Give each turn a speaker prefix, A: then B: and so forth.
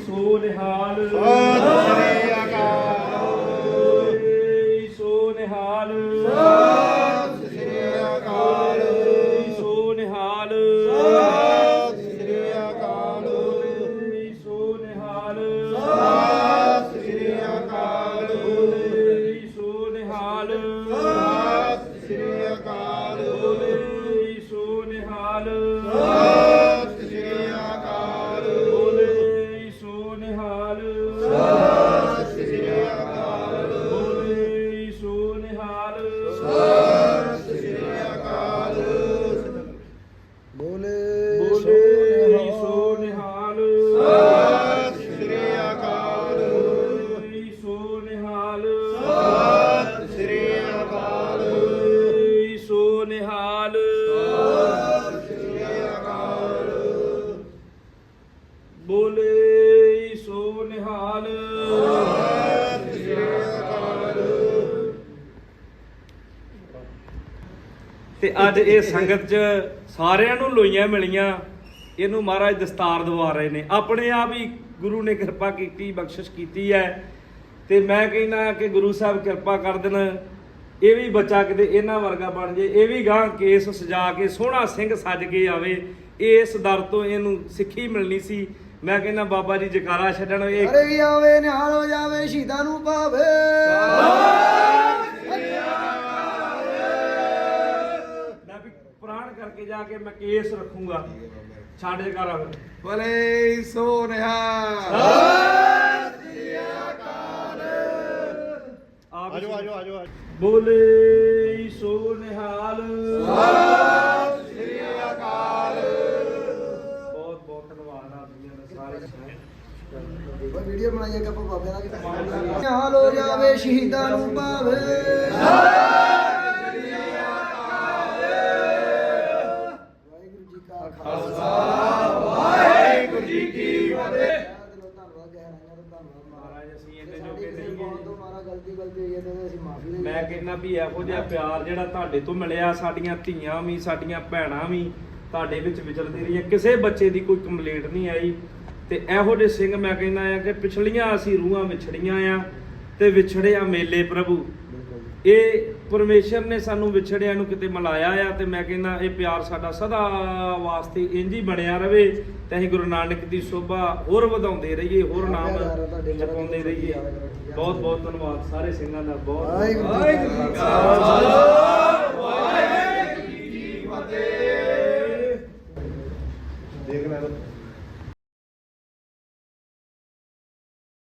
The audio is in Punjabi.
A: ਸੋ ਨਿਹਾਲ
B: ਸਤਿ ਸ੍ਰੀ ਅਕਾਲ
A: ਸੋ ਨਿਹਾਲ
B: ਸਤਿ ਸ੍ਰੀ ਅਕਾਲ
A: ਸੋ ਨਿਹਾਲ
B: ਸਤਿ ਸ੍ਰੀ ਅਕਾਲ
A: ਸੋ ਨਿਹਾਲ
B: ਸਤਿ ਸ੍ਰੀ ਅਕਾਲ
A: ਸੋ ਨਿਹਾਲ
B: ਸਤਿ ਸ੍ਰੀ ਅਕਾਲ
A: ਸੋ ਨਿਹਾਲ
B: ਸਤਿ ਸ੍ਰੀ ਅਕਾਲ
A: ਸੋ ਨਿਹਾਲ
B: ਸਤਿ ਸ੍ਰੀ ਅਕਾਲ
A: ਸੋ ਨਿਹਾਲ
B: ਸਤਿ ਸ੍ਰੀ ਅਕਾਲ ਬੋਲੇ
A: ਸੋ ਨਿਹਾਲ
B: ਸਤਿ ਸ੍ਰੀ ਅਕਾਲ
A: ਸੋ ਨਿਹਾਲ
B: ਸਤਿ ਸ੍ਰੀ ਅਕਾਲ
A: ਸੋ ਨਿਹਾਲ
B: ਸਤਿ ਸ੍ਰੀ ਅਕਾਲ
A: ਬੋਲੇ ਸੋ ਨਿਹਾਲ
B: ਸਤਿ ਸ੍ਰੀ ਅਕਾਲ
A: ਤੇ ਅੱਜ ਇਹ ਸੰਗਤ 'ਚ ਸਾਰਿਆਂ ਨੂੰ ਲੋਈਆਂ ਮਿਲੀਆਂ। ਇਹਨੂੰ ਮਹਾਰਾਜ ਦਸਤਾਰ ਦਵਾ ਰਹੇ ਨੇ, ਆਪਣੇ ਆਪ ਹੀ ਗੁਰੂ ਨੇ ਕਿਰਪਾ ਕੀਤੀ, ਬਖਸ਼ਿਸ਼ ਕੀਤੀ ਹੈ। ਤੇ ਮੈਂ ਕਹਿੰਦਾ ਕਿ ਗੁਰੂ ਸਾਹਿਬ ਕਿਰਪਾ ਕਰ ਦੇਣ, ਇਹ ਵੀ ਬੱਚਾ ਕਿਤੇ ਇਹਨਾਂ ਵਰਗਾ ਬਣ ਜੇ, ਇਹ ਵੀ ਗਾਂ ਕੇਸ ਸਜਾ ਕੇ ਸੋਹਣਾ ਸਿੰਘ ਸੱਜ ਕੇ ਆਵੇ। ਇਸ ਦਰ ਤੋਂ ਇਹਨੂੰ ਸਿੱਖੀ ਮਿਲਣੀ ਸੀ। ਮੈਂ ਕਹਿੰਦਾ ਬਾਬਾ ਜੀ ਜਕਾਰਾ ਛੱਡਣ। ਇਹ
B: ਅਰੇ ਕੀ ਆਵੇ ਨਿਹਾਲ ਹੋ ਜਾਵੇ ਸ਼ਹੀਦਾਂ ਨੂੰ ਭਾਵੇ
A: ਮੈਂ ਵੀ ਪ੍ਰਾਣ ਕਰਕੇ ਜਾ ਕੇ ਮੈਂ ਕੇਸ ਰੱਖੂੰਗਾ। ਛੱਡ ਜਕਾਰਾ ਫਿਰ।
B: ਭਲੇ ਸੋ ਨਿਹਾਲ
A: ਸਤਿ
B: ਸ੍ਰੀ ਅਕਾਲ
A: ਆਜੋ
B: ਆਜੋ
A: ਬੋਲੇ ਸੋ ਨਿਹਾਲ
B: ਸਤਿ ਸ੍ਰੀ ਅਕਾਲ
A: ਬਹੁਤ ਬਹੁਤ ਧੰਨਵਾਦ ਆਪ ਜੀ ਦਾ ਸਾਰੇ।
B: ਵੀਡੀਓ ਬਣਾਈਏ ਕੱਪ ਬਾਬਿਆਂ ਦਾ ਨਿਹਾਲ ਹੋ ਜਾਵੇ ਸ਼ਹੀਦਾਂ ਨੂੰ ਭਾਵੇ ਵਾਹਿਗੁਰੂ ਜੀ ਕਾ ਖਾਲਸਾ ਵਾਹਿਗੁਰੂ ਜੀ ਕੀ ਫਤਿਹ। ਧੰਨਵਾਦ ਗਹਿਰਾਈਆਂ ਦਾ ਧੰਨਵਾਦ
A: ਮਹਾਰਾਜ ਅਸੀਂ ਇਹਦੇ ਜੋਗੇ ਨਹੀਂ
B: ਬਹੁਤ ਤੋਂ ਮਾਰਾ ਗਲਤੀ ਹੋਈ ਹੈ ਤੇ ਅਸੀਂ ਮਾਫੀ ਦੇ
A: ਮੈਂ ਕਹਿੰਦਾ ਵੀ ਇਹੋ ਜਿਹਾ ਪਿਆਰ ਜਿਹੜਾ ਤੁਹਾਡੇ ਤੋਂ ਮਿਲਿਆ, ਸਾਡੀਆਂ ਧੀਆਂ ਵੀ ਸਾਡੀਆਂ ਭੈਣਾਂ ਵੀ ਤੁਹਾਡੇ ਵਿੱਚ ਵਿਚਰਦੀ ਰਹੀਆਂ, ਕਿਸੇ ਬੱਚੇ ਦੀ ਕੋਈ ਕੰਪਲੇਂਟ ਨਹੀਂ ਆਈ। ਤੇ ਇਹੋ ਜਿਹੇ ਸਿੰਘ ਮੈਂ ਕਹਿੰਦਾ ਆ ਕਿ ਪਿਛਲੀਆਂ ਅਸੀਂ ਰੂਹਾਂ ਵਿਛੜੀਆਂ ਆ ਤੇ ਵਿਛੜਿਆ ਮੇਲੇ ਪ੍ਰਭੂ। ਇਹ ਪਰਮੇਸ਼ਰ ਨੇ ਸਾਨੂੰ ਵਿਛੜਿਆਂ ਨੂੰ ਕਿਤੇ ਮਿਲਾਇਆ ਆ। ਤੇ ਮੈਂ ਕਹਿੰਦਾ ਇਹ ਪਿਆਰ ਸਾਡਾ ਸਦਾ ਵਾਸਤੇ ਇੰਝ ਹੀ ਬਣਿਆ ਰਵੇ ਤੇ ਅਸੀਂ ਗੁਰੂ ਨਾਨਕ ਦੀ ਸੋਭਾ ਹੋਰ ਵਧਾਉਂਦੇ ਰਹੀਏ, ਹੋਰ ਨਾਮ ਜਪਾਉਂਦੇ ਰਹੀਏ। ਬਹੁਤ ਬਹੁਤ ਧੰਨਵਾਦ ਸਾਰੇ ਸਿੰਘਾਂ ਦਾ। ਬਹੁਤ
B: ਵਾਹਿਗੁਰੂ ਜੀ ਕਾ ਖਾਲਸਾ।